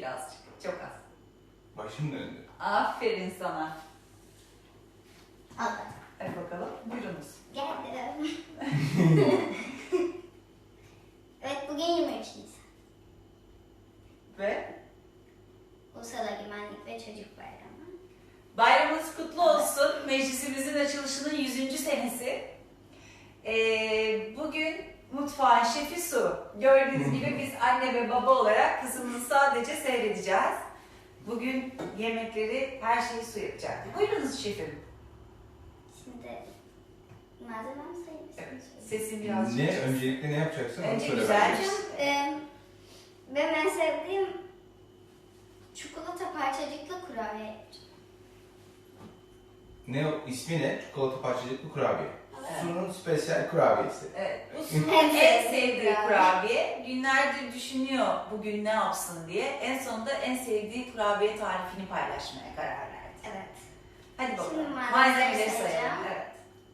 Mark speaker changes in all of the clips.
Speaker 1: birazcık. Çok az.
Speaker 2: Başım döndü.
Speaker 1: Aferin sana.
Speaker 3: Aldım.
Speaker 1: Hadi bakalım. Buyurunuz.
Speaker 3: Geldim. Evet, bugün 23 Nisan.
Speaker 1: Ve
Speaker 3: Ulusal Egemenlik ve Çocuk Bayramı.
Speaker 1: bayramınız kutlu olsun. Meclisimizin açılışının 100. senesi. Bugün mutfağın şefi Su. Gördüğünüz gibi biz anne ve baba olarak kızımızı sadece seyredeceğiz. Bugün yemekleri, her şeyi Su yapacak. Buyurunuz şefim.
Speaker 3: Şimdi malzemem sayılır.
Speaker 1: Evet. Sesim biraz...
Speaker 2: Ne? Öncelikle ne yapacaksın? Onu
Speaker 1: Önce
Speaker 2: söyle
Speaker 1: güzel.
Speaker 2: bana.
Speaker 3: Benim en sevdiğim çikolata parçacıklı kurabiye yapacağım.
Speaker 2: Ne o? İsmi ne? Çikolata parçacıklı kurabiye.
Speaker 3: Evet.
Speaker 2: Su'nun spesiyel kurabiyesi.
Speaker 1: Evet, bu Su'nun en sevdiği kurabiye. Günlerdir düşünüyor bugün ne yapsın diye. En sonunda en sevdiği kurabiye tarifini paylaşmaya karar verdi.
Speaker 3: Evet.
Speaker 1: Hadi
Speaker 3: Şimdi
Speaker 1: bakalım.
Speaker 3: malzemeleri
Speaker 1: Malzemeleri
Speaker 3: sayacağım.
Speaker 1: sayalım. Evet.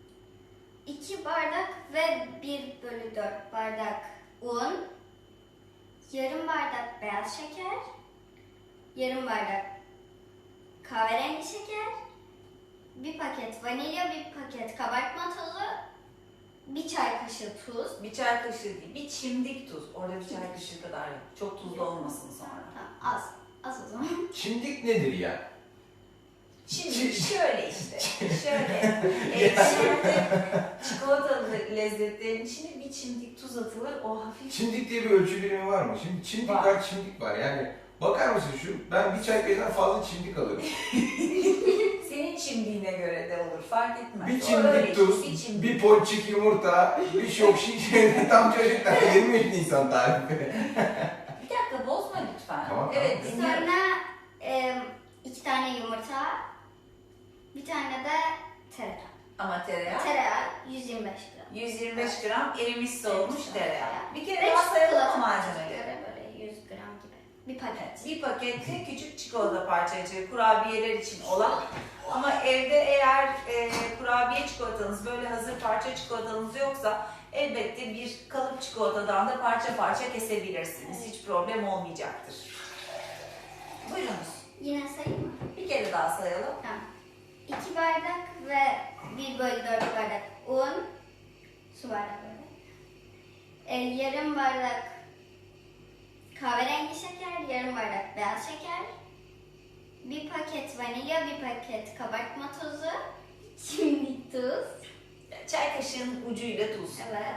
Speaker 3: 2 bardak ve 1/4 bardak un, yarım bardak beyaz şeker, yarım bardak kahverengi şeker, bir paket vanilya, bir paket kabartma tozu, bir çay kaşığı tuz.
Speaker 1: Bir çay kaşığı değil, bir çimdik tuz. Orada bir çay kaşığı kadar yok. Çok tuzlu olmasın sonra.
Speaker 3: Tamam, az o zaman.
Speaker 2: Çimdik nedir ya?
Speaker 1: Şimdi şöyle işte, şöyle. Şimdi çikolatalı lezzetlerin içine bir çimdik tuz atılır, o hafif...
Speaker 2: Çimdik diye bir ölçü birimi var mı? Şimdi çimdik
Speaker 1: Var.
Speaker 2: var, çimdik var. Yani bakar mısın ben bir çay kaşığından fazla çimdik alırım.
Speaker 1: Senin çimdiğine göre de olur, fark etmez.
Speaker 2: Bir
Speaker 1: O öyle
Speaker 2: çimdik tuz,
Speaker 1: bir çimdik.
Speaker 2: bir ponçik yumurta, bir şok şiş, tam çocuklar 23 Nisan tarifi.
Speaker 1: Bir dakika bozma lütfen.
Speaker 2: Tamam,
Speaker 1: Evet,
Speaker 2: tamam.
Speaker 1: dinliyorum.
Speaker 3: Sonra 2 tane yumurta, bir tane de tereyağı.
Speaker 1: Ama tereyağı.
Speaker 3: Tereyağı 125 gram.
Speaker 1: 125 gram erimiş soğumuş tereyağı. Bir kere
Speaker 3: Ve
Speaker 1: daha sayalım
Speaker 3: çikolata
Speaker 1: malzemeleri.
Speaker 3: parçacıkları böyle 100 gram gibi. Bir paket.
Speaker 1: Bir pakette küçük çikolata parçacığı kurabiyeler için olan ama evde eğer kurabiye çikolatanız böyle hazır parça çikolatanız yoksa elbette bir kalıp çikolatadan da parça parça kesebilirsiniz. Hiç problem olmayacaktır. Buyurunuz.
Speaker 3: Yine sayayım mı?
Speaker 1: Bir kere daha sayalım.
Speaker 3: Tamam. 2 bardak ve 1/4 bardak un, su bardağı böyle. Yarım bardak kahverengi şeker, yarım bardak beyaz şeker, bir paket vanilya, bir paket kabartma tozu, çimdik tuz,
Speaker 1: Çay kaşığının ucuyla tuz.
Speaker 3: evet.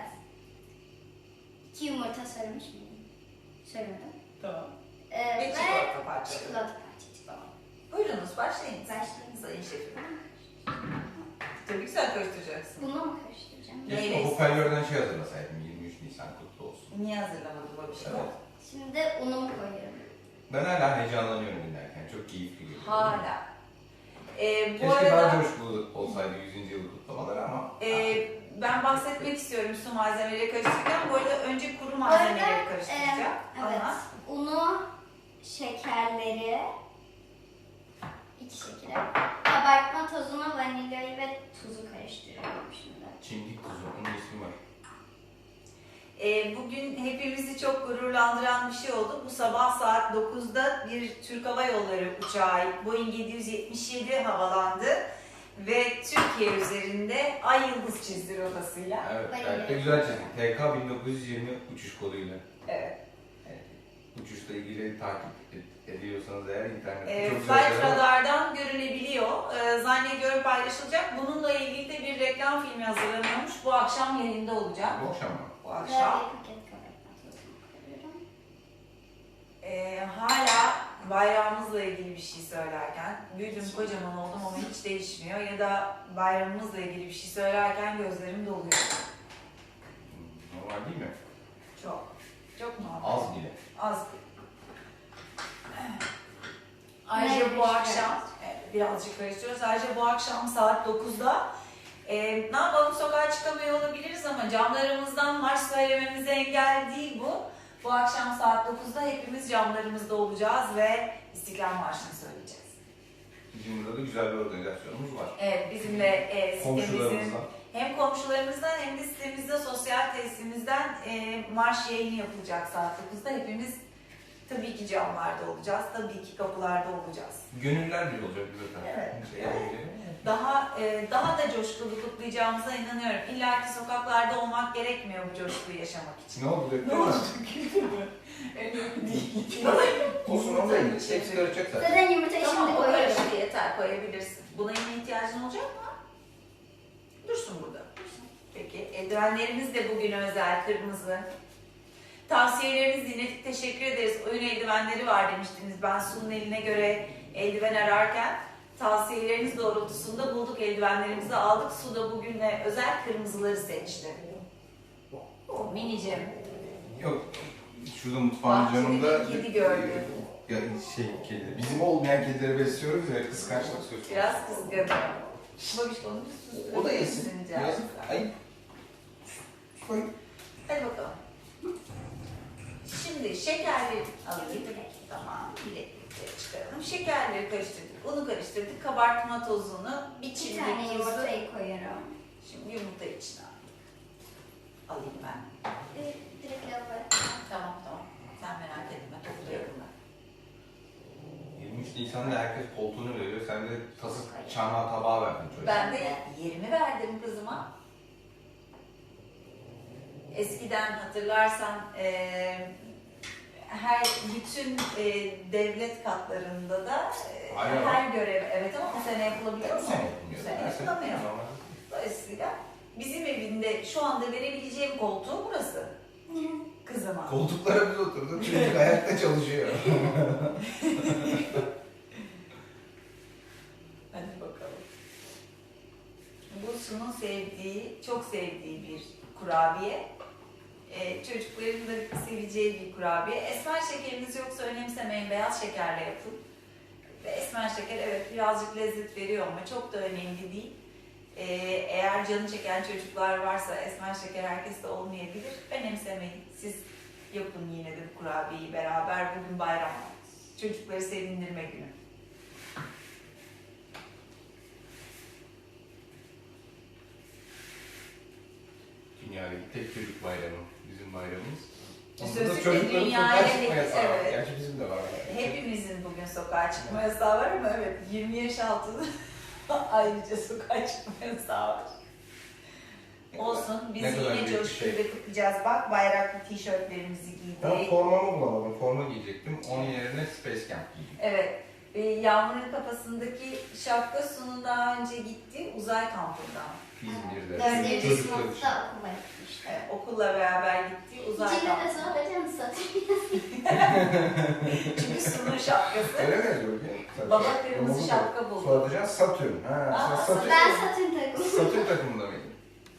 Speaker 3: 2 yumurta söylemiş miydim? Söylemedim.
Speaker 1: Tamam.
Speaker 3: Ve
Speaker 1: çikolata parçaları.
Speaker 3: çikolata parçacığı.
Speaker 1: Tamam. Buyurunuz başlayın.
Speaker 3: Başlayın.
Speaker 1: Sayın şefim. Tabii güzel karıştıracaksın.
Speaker 3: Bunu mu karıştıracağım?
Speaker 1: Neyle
Speaker 2: Keşke hoparlörden şey hazırlasaydım, 23 Nisan kutlu olsun.
Speaker 1: Niye hazırlamadın bu bir şey?
Speaker 2: Evet.
Speaker 3: Şimdi unumu koyuyorum.
Speaker 2: Ben hala heyecanlanıyorum dinlerken, çok keyifli geliyor.
Speaker 1: Hala. Bu
Speaker 2: Keşke
Speaker 1: arada
Speaker 2: daha coşkulu olsaydı 100. yılı kutlamaları ama...
Speaker 1: ben bahsetmek istiyorum su malzemeleri karıştırırken. Bu arada önce kuru malzemeleri karıştıracağım.
Speaker 3: Evet.
Speaker 1: Ama
Speaker 3: Unu, şekerleri, 2 şekeri, kabartma tozunu, vanilyayı ve tuzu karıştırıyorum şimdi.
Speaker 2: Çimdik tuzu, onun ismi var.
Speaker 1: bugün hepimizi çok gururlandıran bir şey oldu. Bu sabah saat 9'da bir Türk Hava Yolları uçağı Boeing 777 havalandı. Ve Türkiye üzerinde ay yıldız çizdi rotasıyla.
Speaker 2: Evet,
Speaker 3: Bayılıyorum.
Speaker 2: gayet de güzel çizdik. TK 1920 uçuş koduyla.
Speaker 1: Evet.
Speaker 2: Uçuşla ilgili takip ediyorsanız eğer internette çok
Speaker 1: Flight
Speaker 2: güzel.
Speaker 1: Radar'dan görülebiliyor. Zannediyorum paylaşılacak. Bununla ilgili de bir reklam filmi hazırlanıyormuş. Bu akşam yayında olacak.
Speaker 2: Bu akşam mı?
Speaker 1: Bu
Speaker 3: Ve
Speaker 1: akşam.
Speaker 3: bir paket kabartma tozunu koyuyorum.
Speaker 1: Hala bayrağımızla ilgili bir şey söylerken, büyüdüm kocaman oldum ama hiç değişmiyor. Ya da bayramımızla ilgili bir şey söylerken gözlerim doluyor.
Speaker 2: Normal değil mi?
Speaker 1: Çok. Çok normal.
Speaker 2: Az bile.
Speaker 1: Az. Ayrıca bu akşam, birazcık karıştırıyoruz. Ayrıca bu akşam saat 9'da ne yapalım, sokağa çıkamıyor olabiliriz ama camlarımızdan marş söylememize engel değil bu. Bu akşam saat 9'da hepimiz camlarımızda olacağız ve İstiklal Marşı'nı söyleyeceğiz.
Speaker 2: Bizim burada da güzel bir organizasyonumuz var.
Speaker 1: Evet, bizim de sitemizin
Speaker 2: Komşularımızla.
Speaker 1: hem komşularımızdan hem de sitemizde sosyal tesisimizden marş yayını yapılacak saat 9'da. Hepimiz Tabii ki camlarda olacağız, tabii ki kapılarda olacağız.
Speaker 2: Gönüller bir olacak zaten.
Speaker 1: Evet.
Speaker 2: Evet.
Speaker 1: Daha da coşkulu kutlayacağımıza inanıyorum. İlla ki sokaklarda olmak gerekmiyor bu coşkuyu yaşamak için.
Speaker 2: Ne oldu?
Speaker 1: Ne oldu? Önemli değil.
Speaker 2: Olsun onu da hepsi karışacak zaten.
Speaker 3: Zaten yumurtayı
Speaker 1: Tamam,
Speaker 3: şimdi
Speaker 1: o
Speaker 3: koyuyorum.
Speaker 1: karıştı yeter, koyabilirsin. Buna yine ihtiyacın olacak mı? Dursun burada. Peki, eldivenlerimiz de bugün özel, kırmızı. Tavsiyeleriniz dinledik, teşekkür ederiz. Oyun eldivenleri var demiştiniz. Ben Su'nun eline göre eldiven ararken tavsiyeleriniz doğrultusunda bulduk, eldivenlerimizi aldık. Su da bugüne özel kırmızıları seçti. Minicim.
Speaker 2: Yok. Şurada mutfağın
Speaker 1: Bahçede
Speaker 2: canında
Speaker 1: bir kedi gördüm.
Speaker 2: Ya kedi. Bizim olmayan kedileri besliyoruz ya kıskançlık söz konusu.
Speaker 1: Biraz kızgın. Babiş onu
Speaker 2: O da yesin. Yazık. Ay. Ay.
Speaker 1: Hadi bakalım. Şimdi şekerleri alayım. Tamam, bileklikleri çıkaralım. Şekerleri karıştırdık, unu karıştırdık, kabartma tozunu,
Speaker 3: Bir
Speaker 1: içindeki
Speaker 3: tane
Speaker 1: tuzu.
Speaker 3: yumurtayı koyuyorum.
Speaker 1: Şimdi yumurta içine alayım ben.
Speaker 3: Direkt lavaboya.
Speaker 1: Tamam. Sen merak etme, topluyorum ben.
Speaker 2: 23 Nisan'da herkes koltuğunu veriyor. Sen de tası çanağı tabağı verdin çocuğa.
Speaker 1: Ben de yerimi verdim kızıma. Eskiden hatırlarsan bütün devlet katlarında da
Speaker 2: Aynen.
Speaker 1: her görev, evet ama bu sene yapılabiliyor mu?
Speaker 2: Bu sene yapılmıyor.
Speaker 1: Bu sene
Speaker 2: Her sene
Speaker 1: yapılamıyor.
Speaker 2: normal.
Speaker 1: Dolayısıyla bizim evinde şu anda verebileceğim koltuğu burası. Kızıma.
Speaker 2: Koltuklara biz oturduk. Çocuk ayakta çalışıyor.
Speaker 1: Hadi bakalım. Bu Su'nun sevdiği, çok sevdiği bir kurabiye. Çocukların da seveceği bir kurabiye. Esmer şekeriniz yoksa önemsemeyin, beyaz şekerle yapın. Ve esmer şeker evet birazcık lezzet veriyor ama çok da önemli değil. Eğer canı çeken çocuklar varsa esmer şeker herkeste olmayabilir. Önemsemeyin. Siz yapın yine de bu kurabiyeyi beraber. Bugün bayram. Çocukları sevindirme günü.
Speaker 2: Dünyadaki tek çocuk bayramı. Bizim bayramımız.
Speaker 1: Sözlükle
Speaker 2: Onda çocukların
Speaker 1: dünyaya
Speaker 2: sokağa çıkma yasağı var.
Speaker 1: evet.
Speaker 2: Gerçi bizim de var.
Speaker 1: Hepimizin bugün sokağa çıkma yasağı var ama evet 20 yaş altında ayrıca sokağa çıkma yasağı var. Olsun biz
Speaker 2: Ne kadar
Speaker 1: yine
Speaker 2: büyük bir
Speaker 1: coşkuyla
Speaker 2: şey.
Speaker 1: kutlayacağız. Bak bayraklı tişörtlerimizi
Speaker 2: Ben
Speaker 1: giydik.
Speaker 2: formamı bulamadım. Forma giyecektim. Onun yerine Space Camp giydim.
Speaker 1: Evet. Yağmur'un kafasındaki şapka Su'nun daha önce gittiği uzay kampından.
Speaker 2: İzmir'de.
Speaker 3: Dördüncü
Speaker 2: Çocuklar için.
Speaker 3: sınıfta okula gitmiştim.
Speaker 1: Evet, okulla beraber gittiği uzay
Speaker 3: İçinde de
Speaker 1: kampı.
Speaker 3: soracağım satayım.
Speaker 1: Çünkü Su'nun şapkası.
Speaker 2: Öyle mi yazıyor?
Speaker 1: Baba kırmızı şapka buldu.
Speaker 2: Soracağız Satürn. Ha,
Speaker 1: Aa,
Speaker 2: sen Satürn.
Speaker 3: Ben Satürn takımı.
Speaker 2: Satürn takımında mıydın?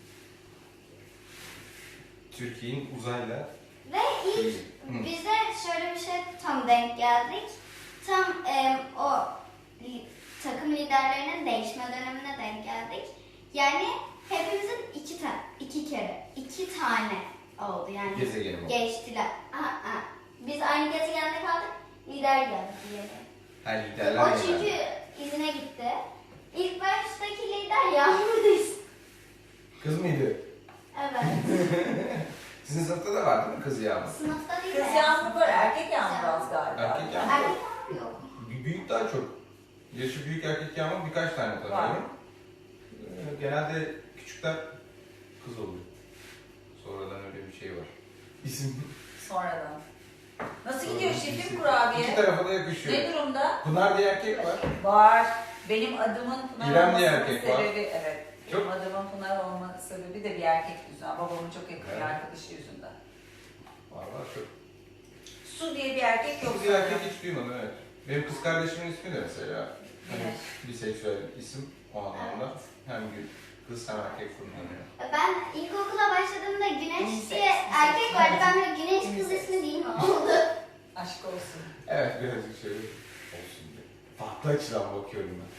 Speaker 2: Türkiye'nin uzayla
Speaker 3: Ve ilk bize şöyle bir şey tam denk geldik. Tam o takım liderlerinin değişme dönemine denk geldik. Yani hepimizin iki tane oldu yani.
Speaker 2: gezegeni oldu.
Speaker 3: Geçtiler. Biz aynı gezegende kaldık. Lider geldi diye.
Speaker 2: Her liderler
Speaker 3: O
Speaker 2: yani.
Speaker 3: çünkü izine gitti. İlk baştaki lider Yağmur'dayız.
Speaker 2: Kız mıydı?
Speaker 3: Evet.
Speaker 2: Sizin sınıfta da vardı mı kız Yağmur?
Speaker 3: Sınıfta değil.
Speaker 1: Kız Yağmur var, erkek Yağmur az galiba.
Speaker 2: Erkek Yağmur.
Speaker 3: Erkek Yağmur yok.
Speaker 2: Büyük daha çok. Yaşı büyük erkek Yağmur birkaç tane tanıyorum. Genelde küçükler kız oluyor. Sonradan öyle bir şey var. İsim.
Speaker 1: Sonradan. Nasıl gidiyor şefim kurabiye?
Speaker 2: İki tarafa da yakışıyor.
Speaker 1: Ne durumda?
Speaker 2: Pınar diye erkek var.
Speaker 1: Var. Benim adımın Pınar
Speaker 2: İrem diye
Speaker 1: olmasının
Speaker 2: erkek var.
Speaker 1: sebebi, evet. Benim
Speaker 2: Çok-
Speaker 1: adımın Pınar olma sebebi de bir erkek yüzünden. Babamın çok yakın bir
Speaker 2: Evet.
Speaker 1: arkadaşı yüzünden.
Speaker 2: Var çok.
Speaker 1: Su diye bir erkek yok.
Speaker 2: Kız diye erkek hiç duymadım evet. Benim kız kardeşimin ismi de mesela. Hani
Speaker 1: Evet.
Speaker 2: biseksüel isim o anlamda. Hem kız hem erkek kullanıyor.
Speaker 3: Ben ilkokula başladığımda Güneş
Speaker 1: Unisex,
Speaker 3: diye erkek vardı. Ben böyle Güneş kız ismi değil mi oldu?
Speaker 1: Aşk olsun.
Speaker 2: Evet birazcık şöyle olsun diye. Farklı açıdan bakıyorum ben.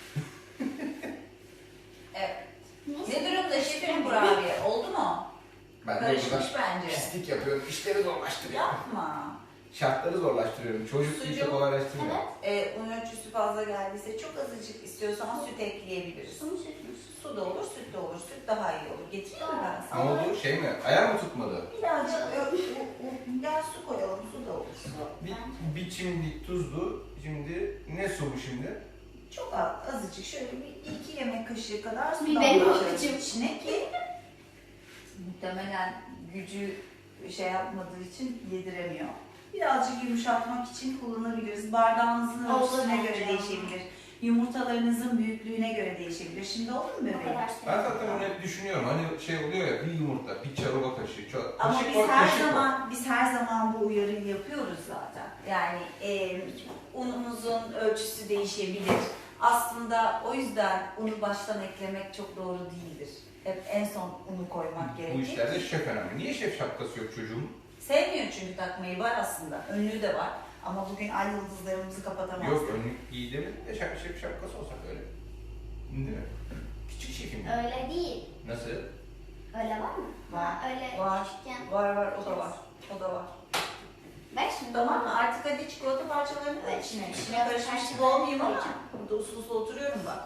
Speaker 1: Evet. Ne durumda şefim kurabiye? Oldu mu?
Speaker 2: Ben de
Speaker 1: Karışmış
Speaker 2: burada
Speaker 1: bence.
Speaker 2: pislik yapıyorum, işleri zorlaştırıyorum.
Speaker 1: Yapma.
Speaker 2: Şartları zorlaştırıyorum, çocuk
Speaker 1: Sucuk.
Speaker 2: işi kolaylaştırmıyor.
Speaker 1: Un ölçüsü fazla geldiyse çok azıcık istiyorsan süt ekleyebiliriz.
Speaker 3: Sonu sütmüş.
Speaker 1: Su da olur, süt de olur. Süt daha iyi olur. Getireyim mi ben
Speaker 2: Ne
Speaker 1: sana?
Speaker 2: oldu? Şey mi? Ayar mı tutmadı?
Speaker 1: Birazcık Gel su koyalım, su da olur. Su.
Speaker 2: Bir çimdik tuzlu. Şimdi ne su bu şimdi?
Speaker 1: Çok azıcık şöyle bir 2 yemek kaşığı kadar su
Speaker 3: Bir benim
Speaker 1: damlatıyoruz
Speaker 3: avucum.
Speaker 1: içine ki muhtemelen gücü şey yapmadığı için yediremiyor. Birazcık yumuşatmak için kullanabiliriz. Bardağınızın
Speaker 3: Olur
Speaker 1: ölçüsüne göre
Speaker 3: hocam.
Speaker 1: değişebilir. Yumurtalarınızın büyüklüğüne göre değişebilir. Şimdi olur mu
Speaker 3: O
Speaker 1: bebeğim?
Speaker 3: kadar
Speaker 2: Ben
Speaker 3: seviyorum.
Speaker 2: zaten onu hep düşünüyorum. Hani şey oluyor ya, bir yumurta, bir çorba kaşığı,
Speaker 1: Ama
Speaker 2: kaşık
Speaker 1: biz
Speaker 2: var,
Speaker 1: her
Speaker 2: kaşık var.
Speaker 1: zaman bu uyarıyı yapıyoruz zaten. Yani unumuzun ölçüsü değişebilir. Aslında o yüzden unu baştan eklemek çok doğru değildir. Hep en son unu koymak
Speaker 2: Bu
Speaker 1: gerekir.
Speaker 2: işlerde şef önemli. Niye şef şapkası yok çocuğum?
Speaker 1: Sevmiyor çünkü takmayı, var aslında. Önlüğü de var. Ama bugün ay yıldızlarımızı kapatamaz.
Speaker 2: Yok, önlük giy demedim de şef şapkası olsak öyle. Değil mi? Küçük şefim.
Speaker 3: Öyle değil.
Speaker 2: Nasıl?
Speaker 3: Öyle var mı?
Speaker 1: Var.
Speaker 3: Ha, öyle
Speaker 1: Var.
Speaker 3: küçükken.
Speaker 1: Var, o da var. O da var.
Speaker 3: Bak şimdi.
Speaker 1: Tamam mı? Artık hadi çikolata parçalarını da
Speaker 3: Evet,
Speaker 1: içine.
Speaker 3: şimdi
Speaker 1: İçine
Speaker 3: biraz
Speaker 1: karışmış gibi
Speaker 3: parçalarını
Speaker 1: olmayayım ama
Speaker 3: koyacağım.
Speaker 1: burada uslu uslu oturuyorum bak.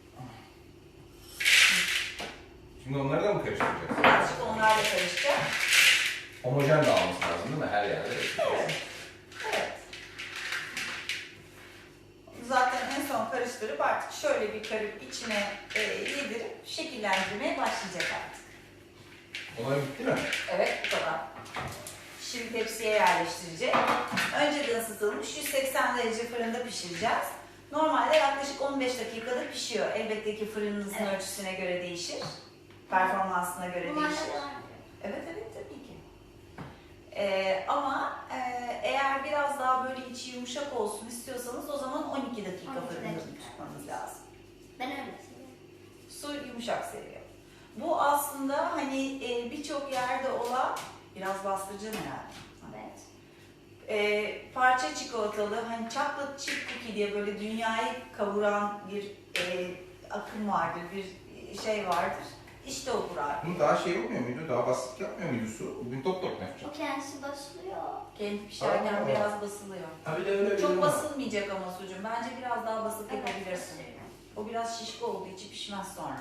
Speaker 2: Şimdi onları da mı karıştıracağız?
Speaker 1: Birazcık onlarla karışacak.
Speaker 2: Homojen dağılması lazım değil mi? Her yerde.
Speaker 1: Evet. Evet. Zaten en son karıştırıp artık şöyle bir karıp içine yedirip şekillendirmeye başlayacak artık.
Speaker 2: Olay bitti mi?
Speaker 1: Evet, bu kadar. Şimdi tepsiye yerleştirecek. Önceden ısıtılmış 180 derece fırında pişireceğiz. Normalde yaklaşık 15 dakikada pişiyor. Elbette ki fırınınızın
Speaker 3: Evet.
Speaker 1: ölçüsüne göre değişir. Performansına göre
Speaker 3: Bunlar da
Speaker 1: değişir.
Speaker 3: devam ediyor.
Speaker 1: Evet tabii ki. Ama eğer biraz daha böyle içi yumuşak olsun istiyorsanız o zaman 12 dakika
Speaker 3: 12
Speaker 1: fırında
Speaker 3: dakika.
Speaker 1: tutmanız lazım.
Speaker 3: Ben öyle seviyorum.
Speaker 1: Su yumuşak seviyor. Bu aslında hani birçok yerde olan, biraz bastıracağım herhalde.
Speaker 3: Evet.
Speaker 1: Parça çikolatalı, hani chocolate chip cookie diye böyle dünyayı kavuran bir akım vardır, bir şey vardır. İşte o Burak.
Speaker 2: Bunu daha şey olmuyor muydu? Daha basit yapmıyor muydu su? Bugün top top mu yapacak?
Speaker 3: O kendisi basılıyor.
Speaker 1: Kendi pişerken
Speaker 2: Aa.
Speaker 1: biraz basılıyor.
Speaker 2: Ha bir de öyle
Speaker 1: Çok basılmayacak ama sucuğum. Bence biraz daha basıp
Speaker 3: Evet,
Speaker 1: yapabilirsin.
Speaker 3: basıyorum.
Speaker 1: O biraz şişko olduğu için pişmez sonra.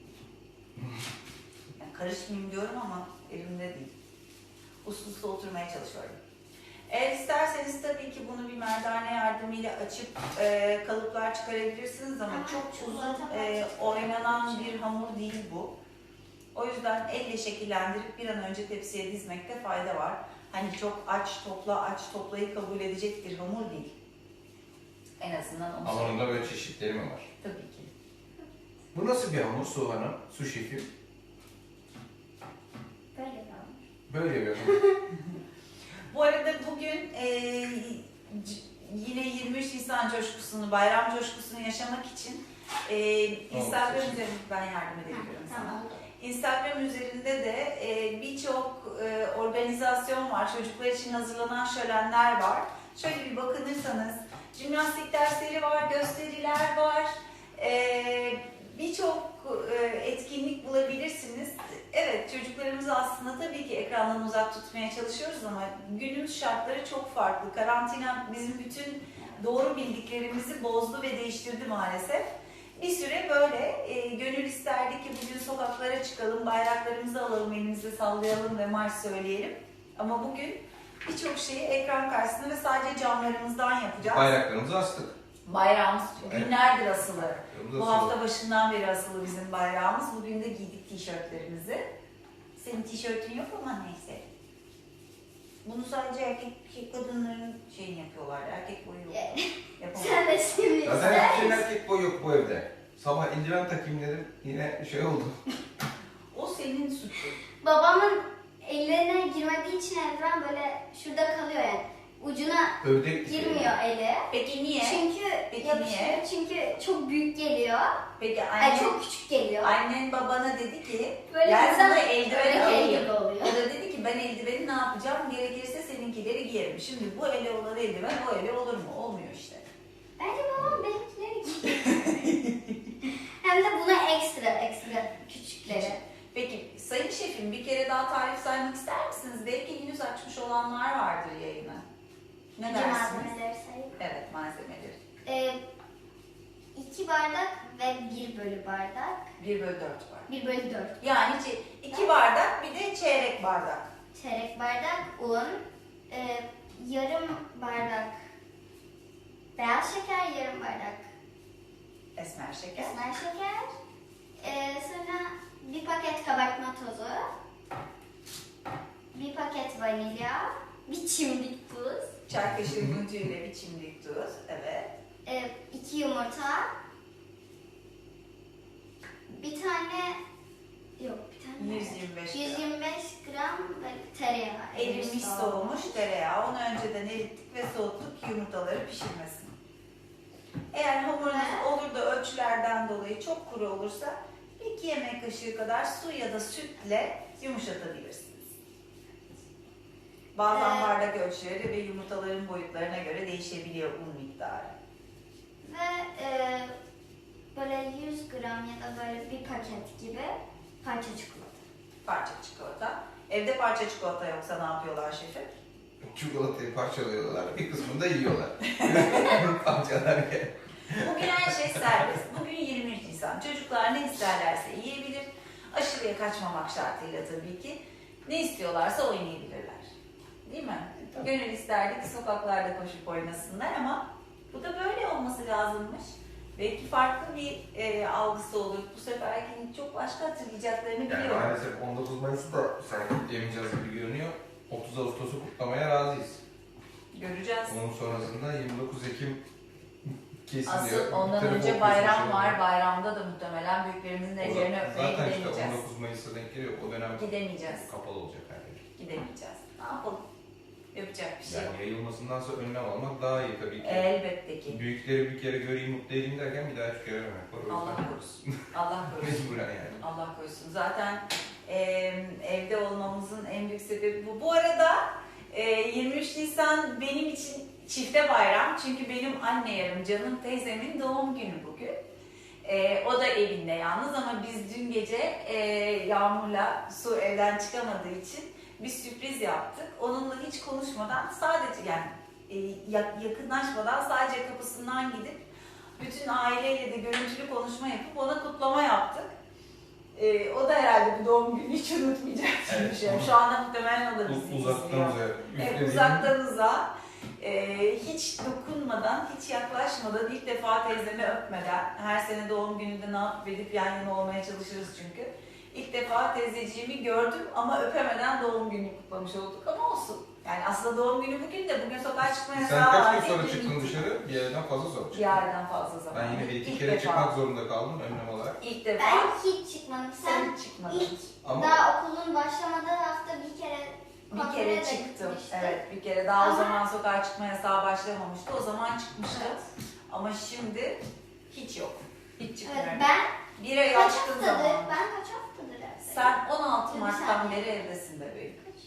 Speaker 1: Yani karışmayayım diyorum ama elimde değil. Uslu uslu oturmaya çalışıyorum. Eğer isterseniz tabii ki bunu bir merdane yardımıyla açıp kalıplar çıkarabilirsiniz ama
Speaker 3: Ama
Speaker 1: çok uzun
Speaker 3: çikolata
Speaker 1: oynanan bir hamur değil bu. O yüzden elle şekillendirip bir an önce tepsiye dizmekte fayda var. Hani çok aç toplayı kabul edecek bir hamur değil. En azından onu söyleyeyim.
Speaker 2: Hamurunda böyle çeşitleri mi var?
Speaker 1: Tabii ki.
Speaker 2: Bu nasıl bir hamur Su Hanım? Su şefim.
Speaker 3: Böyle bir hamur.
Speaker 2: Böyle bir hamur.
Speaker 1: Bu arada bugün yine 23 Nisan coşkusunu, bayram coşkusunu yaşamak için Instagram üzerinde ben yardım edebilirim sana.
Speaker 3: Tamam.
Speaker 1: Instagram üzerinde de birçok organizasyon var. Çocuklar için hazırlanan şölenler var. Şöyle bir bakınırsanız jimnastik dersleri var, gösteriler var. Birçok etkinlik bulabilirsiniz. Evet, çocuklarımızı aslında tabii ki ekrandan uzak tutmaya çalışıyoruz ama günümüz şartları çok farklı. Karantina bizim bütün doğru bildiklerimizi bozdu ve değiştirdi maalesef. Bir süre böyle gönül isterdi ki bugün sokaklara çıkalım, bayraklarımızı alalım, elimizde sallayalım ve marş söyleyelim. Ama bugün birçok şeyi ekran karşısında ve sadece camlarımızdan yapacağız.
Speaker 2: Bayraklarımızı astık.
Speaker 1: Bayrağımız
Speaker 2: Evet.
Speaker 1: günlerdir asılı.
Speaker 2: Bayraklarımızı
Speaker 1: Bu
Speaker 2: astık.
Speaker 1: hafta başından beri asılı bizim bayrağımız. Bugün de giydik tişörtlerimizi. Senin tişörtün yok ama neyse. Bunu sadece erkek kadınların şeyini yapıyorlar. Erkek boyu yok. Yapamam.
Speaker 3: Sen de şimdi
Speaker 2: Zaten
Speaker 3: ister
Speaker 2: hiçbir
Speaker 3: misin?
Speaker 2: erkek boyu yok bu evde. Sabah eldiven takayım dedim. Yine şey oldu.
Speaker 1: O senin suçun.
Speaker 3: Babamın ellerine girmediği için eldiven böyle şurada kalıyor yani. Ucuna
Speaker 2: Övdek
Speaker 3: girmiyor eli.
Speaker 1: Peki niye?
Speaker 3: Çünkü
Speaker 1: Peki
Speaker 3: yapışıyor.
Speaker 1: niye?
Speaker 3: Çünkü çok büyük geliyor.
Speaker 1: Peki
Speaker 3: Ay çok küçük geliyor.
Speaker 1: annen babana dedi ki
Speaker 3: Böyle
Speaker 1: gel
Speaker 3: insan
Speaker 1: sana eldiven
Speaker 3: öyle
Speaker 1: alayım.
Speaker 3: gibi oluyor.
Speaker 1: O da dedi ki ben eldiveni ne yapacağım? Gerekirse seninkileri giyerim. Şimdi bu ele olan eldiven o ele olur mu? Olmuyor işte.
Speaker 3: Bence babam benimkileri giyiyor. Hem de buna ekstra küçükleri.
Speaker 1: Peki sayın şefim bir kere daha tarif saymak ister misiniz? Belki henüz açmış olanlar vardır yayını. Ne
Speaker 3: Önce
Speaker 1: dersiniz?
Speaker 3: malzemeleri sayayım.
Speaker 1: Evet malzemeleri.
Speaker 3: 2 bardak ve 1 bölü bardak.
Speaker 1: 1/4 var.
Speaker 3: 1 bölü 4.
Speaker 1: Yani 2 bardak bir de çeyrek bardak.
Speaker 3: Çeyrek bardak un. yarım bardak beyaz şeker, yarım bardak
Speaker 1: Esmer şeker.
Speaker 3: esmer şeker. Sonra bir paket kabartma tozu, bir paket vanilya, bir çimdik tuz,
Speaker 1: Çay kaşığı untuyla bir çimdik tuz. Evet.
Speaker 3: 2 yumurta, bir tane
Speaker 1: 125 gram.
Speaker 3: 125 gram böyle tereyağı.
Speaker 1: Erimiş soğumuş tereyağı. Onu önceden erittik ve soğuttuk yumurtaları pişirmesini. Eğer hamurunuz olur da ölçülerden dolayı çok kuru olursa 2 yemek kaşığı kadar su ya da sütle yumuşatabilirsiniz. Bazen bardak ölçüleri ve yumurtaların boyutlarına göre değişebiliyor un miktarı.
Speaker 3: Ve böyle 100 gram ya da böyle bir paket gibi parça çikolata.
Speaker 1: Parça çikolata. Evde parça çikolata yoksa ne yapıyorlar şefim?
Speaker 2: Çikolatayı parçalıyorlar, bir kısmını da yiyorlar. Parçalarken.
Speaker 1: Bugün her şey serbest. Bugün 23 Nisan. Çocuklar ne isterlerse yiyebilir. Aşırıya kaçmamak şartıyla tabii ki. Ne istiyorlarsa oynayabilirler. Değil mi? Gönül isterdi ki sokaklarda koşup oynasınlar ama bu da böyle olması lazımmış. Belki farklı bir algısı olur. Bu seferki çok başka hatırlayacaklarını
Speaker 2: Yani
Speaker 1: biliyorum.
Speaker 2: maalesef 19 Mayıs'ı da sergitleyemeyeceğiz gibi görünüyor. 30 Ağustos'u kutlamaya razıyız.
Speaker 1: Göreceğiz.
Speaker 2: Onun sonrasında 29 Ekim kesin
Speaker 1: Asıl
Speaker 2: diyor.
Speaker 1: ondan
Speaker 2: Telefon
Speaker 1: önce
Speaker 2: kesin
Speaker 1: bayram
Speaker 2: şey
Speaker 1: var.
Speaker 2: var.
Speaker 1: Bayramda da muhtemelen büyüklerimizin ellerini öpmeye
Speaker 2: Zaten işte
Speaker 1: gidemeyeceğiz.
Speaker 2: 19 Mayıs'a denk geliyor. O dönem
Speaker 1: Gidemeyeceğiz.
Speaker 2: kapalı olacak her yer.
Speaker 1: Gidemeyeceğiz. Ne yapalım? Yapacak bir şey yok.
Speaker 2: Yani yayılmasındansa önlem almak daha iyi tabii ki.
Speaker 1: Elbette ki.
Speaker 2: Büyükleri bir kere göreyim, mutlu edeyim derken bir daha hiç görememek var. O
Speaker 1: Allah
Speaker 2: yüzden
Speaker 1: korusun. Allah korusun.
Speaker 2: mecburen yani.
Speaker 1: Allah korusun. Zaten evde olmamızın en büyük sebebi bu. Bu arada 23 Nisan benim için çifte bayram. Çünkü benim anne yarım canım teyzemin doğum günü bugün. O da evinde yalnız ama biz dün gece Yağmur'la Su evden çıkamadığı için bir sürpriz yaptık. Onunla hiç konuşmadan sadece yani yakınlaşmadan sadece kapısından gidip bütün aileyle de görüntülü konuşma yapıp ona kutlama yaptık. O da herhalde bu doğum günü hiç unutmayacak gibi bir şey. Şu anda muhtemelen o da bizi
Speaker 2: Uzaktan
Speaker 1: izliyor.
Speaker 2: uzağa.
Speaker 1: Evet, uzaktan uzağa. Hiç dokunmadan, hiç yaklaşmadan, ilk defa teyzemi öpmeden, her sene doğum gününde ne yapıp edip yan yana olmaya çalışırız çünkü. İlk defa teyzeciğimi gördüm ama öpemeden doğum günü kutlamış olduk ama olsun. Yani aslında doğum günü bugün de bugün sokağa çıkmaya
Speaker 2: Sen
Speaker 1: yasağı var.
Speaker 2: kaç gün sonra
Speaker 1: Dün
Speaker 2: çıktın
Speaker 1: gittik.
Speaker 2: dışarı? Bir yerden fazla sonra
Speaker 1: Bir
Speaker 2: çıktın.
Speaker 1: yerden fazla zaman.
Speaker 2: Ben yine bir iki
Speaker 1: İlk
Speaker 2: kere
Speaker 1: defa.
Speaker 2: çıkmak zorunda kaldım önlem olarak.
Speaker 1: İlk defa.
Speaker 3: Ben hiç çıkmadım.
Speaker 1: Sen hiç çıkmadın.
Speaker 3: İlk
Speaker 2: Ama
Speaker 3: daha okulun başlamadığı hafta bir kere
Speaker 1: Bir
Speaker 3: kontrole
Speaker 1: kere
Speaker 3: de
Speaker 1: çıktım.
Speaker 3: gitmiştim.
Speaker 1: Evet, bir kere daha o
Speaker 3: Ama-
Speaker 1: zaman sokağa çıkma yasağı başlamamıştı. O zaman çıkmıştım.
Speaker 3: Evet.
Speaker 1: Ama şimdi hiç yok. Hiç çıkmıyorum.
Speaker 3: Evet, ben
Speaker 1: Bir ay
Speaker 3: kaç
Speaker 1: açtığım
Speaker 3: haftadır,
Speaker 1: zaman.
Speaker 3: ben kaç haftadır evdeyim?
Speaker 1: Sen 16
Speaker 3: Bir
Speaker 1: Mart'tan
Speaker 3: saniye.
Speaker 1: beri evdesin bebeğim.
Speaker 3: Kaç?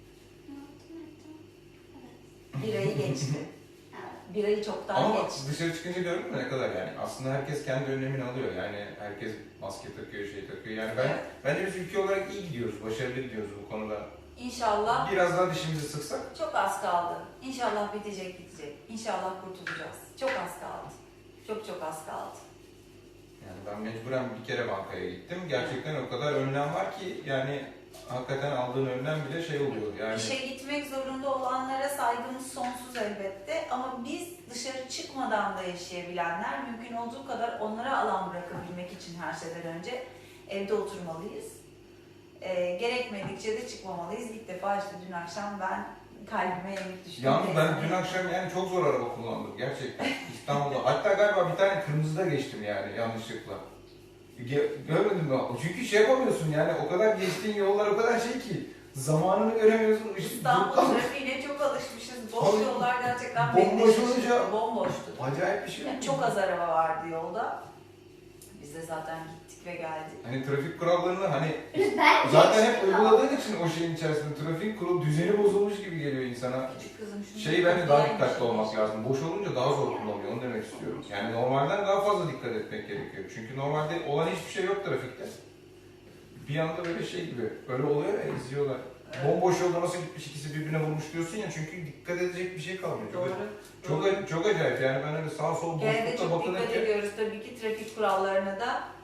Speaker 1: Bir ayı geçti.
Speaker 3: Evet.
Speaker 1: Bir ayı çoktan
Speaker 2: ama
Speaker 1: geçti.
Speaker 2: dışarı çıkınca gördün mü ne kadar yani? Aslında herkes kendi önlemini alıyor. Yani herkes maske takıyor, şey takıyor. Yani bence biz ülke olarak iyi gidiyoruz, başarılı gidiyoruz bu konuda.
Speaker 1: İnşallah
Speaker 2: Biraz daha dişimizi sıksak.
Speaker 1: çok az kaldı. İnşallah bitecek. İnşallah kurtulacağız. Çok az kaldı. Çok az kaldı.
Speaker 2: Yani ben mecburen bir kere bankaya gittim. Gerçekten o kadar önlem var ki yani hakikaten aldığın önlem bile şey oluyor yani.
Speaker 1: İşe gitmek zorunda olanlara saygımız sonsuz elbette ama biz dışarı çıkmadan da yaşayabilenler mümkün olduğu kadar onlara alan bırakabilmek için her şeyden önce evde oturmalıyız. Gerekmedikçe de çıkmamalıyız. İlk defa işte dün akşam ben kalbime yenik düştüm.
Speaker 2: Yalnız ben dün akşam yani çok zor araba kullandım gerçekten İstanbul'da. Hatta galiba bir tane kırmızıda geçtim yani yanlışlıkla. Görmedin mi? Çünkü şey yapamıyorsun yani o kadar geçtiğin yollar o kadar şey ki zamanını göremiyorsun.
Speaker 1: İstanbul trafiğine çok alışmışız. Boş
Speaker 2: Tabii.
Speaker 1: yollar gerçekten
Speaker 2: Bomboş
Speaker 1: bekleşmiş.
Speaker 2: olunca-
Speaker 1: Bomboştu.
Speaker 2: Acayip bir şey.
Speaker 1: Yani çok az araba vardı yolda. Biz de zaten gittik ve geldik.
Speaker 2: Hani trafik kurallarını hani
Speaker 3: Ben
Speaker 2: zaten hep
Speaker 3: geçtim.
Speaker 2: uyguladığın için o şeyin içerisinde trafik kural düzeni bozulmuş gibi geliyor insana.
Speaker 1: Küçük kızım şunu...
Speaker 2: Şey bence daha
Speaker 1: Yani
Speaker 2: dikkatli
Speaker 1: şey-
Speaker 2: olmak lazım. Boş olunca daha zor kullanılıyor. Onu demek istiyorum. Yani normalden daha fazla dikkat etmek gerekiyor. Çünkü normalde olan hiçbir şey yok trafikte. Bir anda böyle şey gibi. Öyle oluyor ya izliyorlar.
Speaker 1: Evet.
Speaker 2: Bomboş yolda nasıl gitmiş ikisi birbirine vurmuş diyorsun ya çünkü dikkat edecek bir şey kalmıyor.
Speaker 1: Doğru.
Speaker 2: Çok acayip yani ben öyle sağ sol
Speaker 1: Gene de
Speaker 2: boşlukta
Speaker 1: çok dikkat
Speaker 2: bakılırken
Speaker 1: ediyoruz tabii ki trafik kurallarına da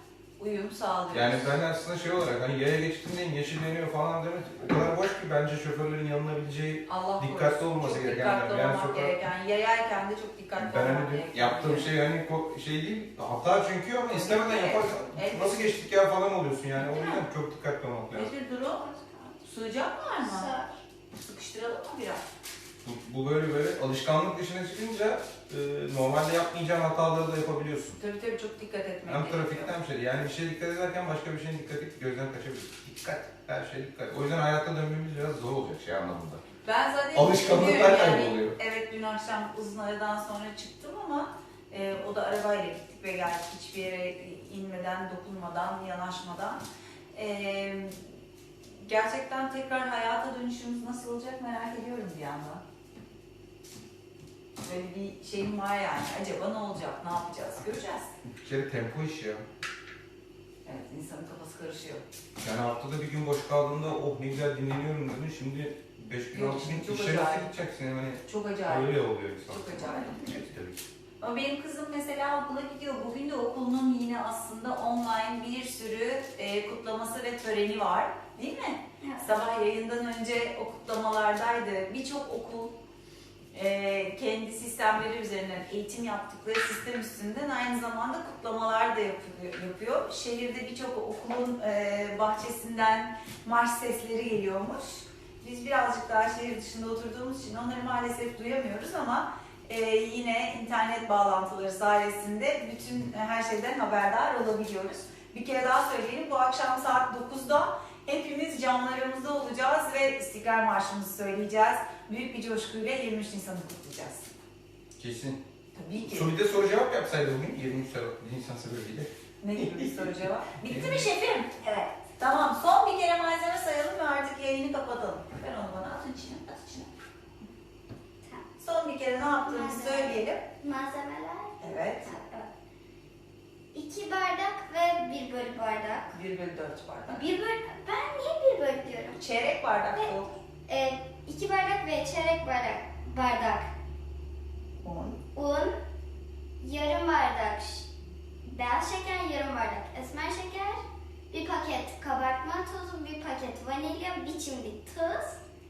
Speaker 1: uyum sağlıyoruz.
Speaker 2: Yani ben aslında şey olarak hani yaya geçtiğindeyim, yeşil yanıyor falan demek o kadar boş ki bence şoförlerin yanılabileceği
Speaker 1: Allah
Speaker 2: dikkatli
Speaker 1: korusun.
Speaker 2: olması
Speaker 1: Çok
Speaker 2: gereken
Speaker 1: dikkatli
Speaker 2: yani
Speaker 1: olmak
Speaker 2: sokak-
Speaker 1: gereken. Yayarken de çok dikkatli
Speaker 2: ben
Speaker 1: olmak
Speaker 2: hani
Speaker 1: gereken.
Speaker 2: yaptığım şey hani şey değil, hata çünkü ama istemeden
Speaker 1: Evet.
Speaker 2: yaparsan
Speaker 1: Evet.
Speaker 2: nasıl geçtik ya falan oluyorsun yani. O
Speaker 1: Değil
Speaker 2: yüzden çok dikkatli olmak lazım.
Speaker 1: Betül durum. Sucak var mı?
Speaker 3: Sağ.
Speaker 1: Sıkıştıralım mı biraz?
Speaker 2: Bu böyle alışkanlık dışına çıkınca normalde yapmayacağın hataları da yapabiliyorsun.
Speaker 1: Tabii çok dikkat etmek
Speaker 2: Hem
Speaker 1: gerekiyor.
Speaker 2: trafikten bir şey. Yani bir şeye dikkat ederken başka bir şeye dikkat et, gözden kaçabilir. Dikkat, her şeye dikkat. O yüzden hayatta dönmemiz biraz zor olacak şey anlamında.
Speaker 1: Ben zaten
Speaker 2: Alışkanlıklar
Speaker 1: biliyorum
Speaker 2: kayboluyor.
Speaker 1: Evet dün akşam uzun aradan sonra çıktım ama o da arabayla gittik ve geldik hiçbir yere inmeden, dokunmadan, yanaşmadan. Gerçekten tekrar hayata dönüşümüz nasıl olacak merak ediyorum bir yandan. Böyle bir şeyim var yani. Acaba ne olacak, ne yapacağız göreceğiz.
Speaker 2: Bir kere tempo iş ya.
Speaker 1: Evet insanın kafası karışıyor.
Speaker 2: Yani haftada bir gün boş kaldığında oh ne güzel dinleniyorum dedin. Şimdi 5 gün
Speaker 1: Yok,
Speaker 2: 6 gün
Speaker 1: çok
Speaker 2: işe nasıl
Speaker 1: acayip.
Speaker 2: gideceksin yani
Speaker 1: Çok acayip.
Speaker 2: öyle oluyor insan.
Speaker 1: Çok acayip.
Speaker 2: Evet, tabii ki.
Speaker 1: Ama benim kızım mesela okula gidiyor. Bugün de okulunun yine aslında online bir sürü kutlaması ve töreni var. Değil mi?
Speaker 3: Evet.
Speaker 1: Sabah yayından önce o kutlamalardaydı. Birçok okul kendi sistemleri üzerinden eğitim yaptıkları sistem üstünden aynı zamanda kutlamalar da yapıyor. Şehirde birçok okulun bahçesinden marş sesleri geliyormuş. Biz birazcık daha şehir dışında oturduğumuz için onları maalesef duyamıyoruz ama yine internet bağlantıları sayesinde bütün her şeyden haberdar olabiliyoruz. Bir kere daha söyleyelim, bu akşam saat 9'da hepimiz camlarımızda olacağız ve İstiklal Marşımızı söyleyeceğiz. Büyük bir coşkuyla 23 Nisan'ı kutlayacağız.
Speaker 2: Kesin.
Speaker 1: Tabii ki.
Speaker 2: Bir de soru cevap yapsaydı bugün 23 Nisan sebebiyle.
Speaker 1: Ne gibi bir soru cevap? Bitti mi şefim? Evet. Tamam, son bir kere malzeme sayalım ve artık yayını kapatalım. Ben onu bana at içine, at içine. Son bir kere ne yaptığımızı söyleyelim.
Speaker 3: Malzemeler.
Speaker 1: Evet.
Speaker 3: 2 bardak ve 1 bölü bardak.
Speaker 1: 1/4 bardak.
Speaker 3: Ben niye 1 bölü diyorum?
Speaker 1: Çeyrek bardak
Speaker 3: Evet.
Speaker 1: oldu.
Speaker 3: 2 bardak ve çeyrek bardak un, yarım bardak beyaz şeker, yarım bardak esmer şeker, bir paket kabartma tozu, bir paket vanilya, bir çimdik tuz,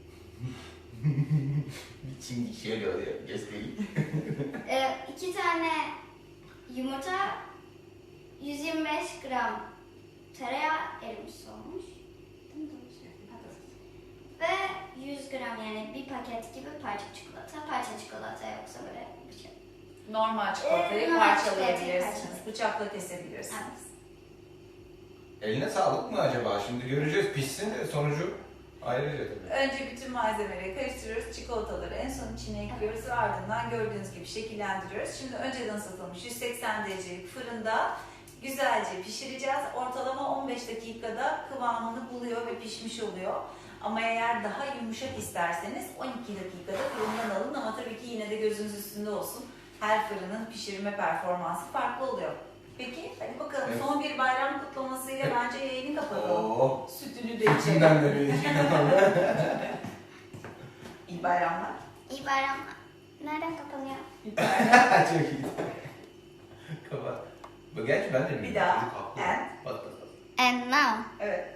Speaker 2: Şimdi şöyle oluyor, göstereyim.
Speaker 3: 2 tane yumurta, 125 gram tereyağı erimiş olmuş. Değil mi? Ve 100 gram yani bir paket gibi parça çikolata. Parça çikolata yoksa böyle bir şey.
Speaker 1: Normal çikolatayı
Speaker 3: Normal
Speaker 1: parçalayabilirsiniz.
Speaker 3: çikolatayı
Speaker 1: Bıçakla kesebilirsiniz.
Speaker 2: Eline sağlık mı acaba? Şimdi göreceğiz pişsin de sonucu ayrıca tabii.
Speaker 1: Önce bütün malzemeleri karıştırıyoruz. Çikolataları en son içine ekliyoruz ve ardından gördüğünüz gibi şekillendiriyoruz. Şimdi önceden ısıtılmış 180 derecelik fırında güzelce pişireceğiz. Ortalama 15 dakikada kıvamını buluyor ve pişmiş oluyor. Ama eğer daha yumuşak isterseniz 12 dakikada fırından alın ama tabii ki yine de gözünüz üstünde olsun. Her fırının pişirme performansı farklı oluyor. Peki hadi bakalım
Speaker 2: Evet.
Speaker 1: son bir bayram kutlamasıyla bence yayını kapatalım.
Speaker 2: Oo.
Speaker 1: Sütünü de içelim.
Speaker 2: İçinden de bir
Speaker 1: İyi bayramlar.
Speaker 3: İyi bayramlar. Nereden kapanıyor?
Speaker 1: İyi bayramlar.
Speaker 2: Çok iyi. Kapat. Gerçi ben de
Speaker 1: Bir daha.
Speaker 2: Çocuk haklı.
Speaker 1: And.
Speaker 2: Bak.
Speaker 3: And now.
Speaker 1: Evet.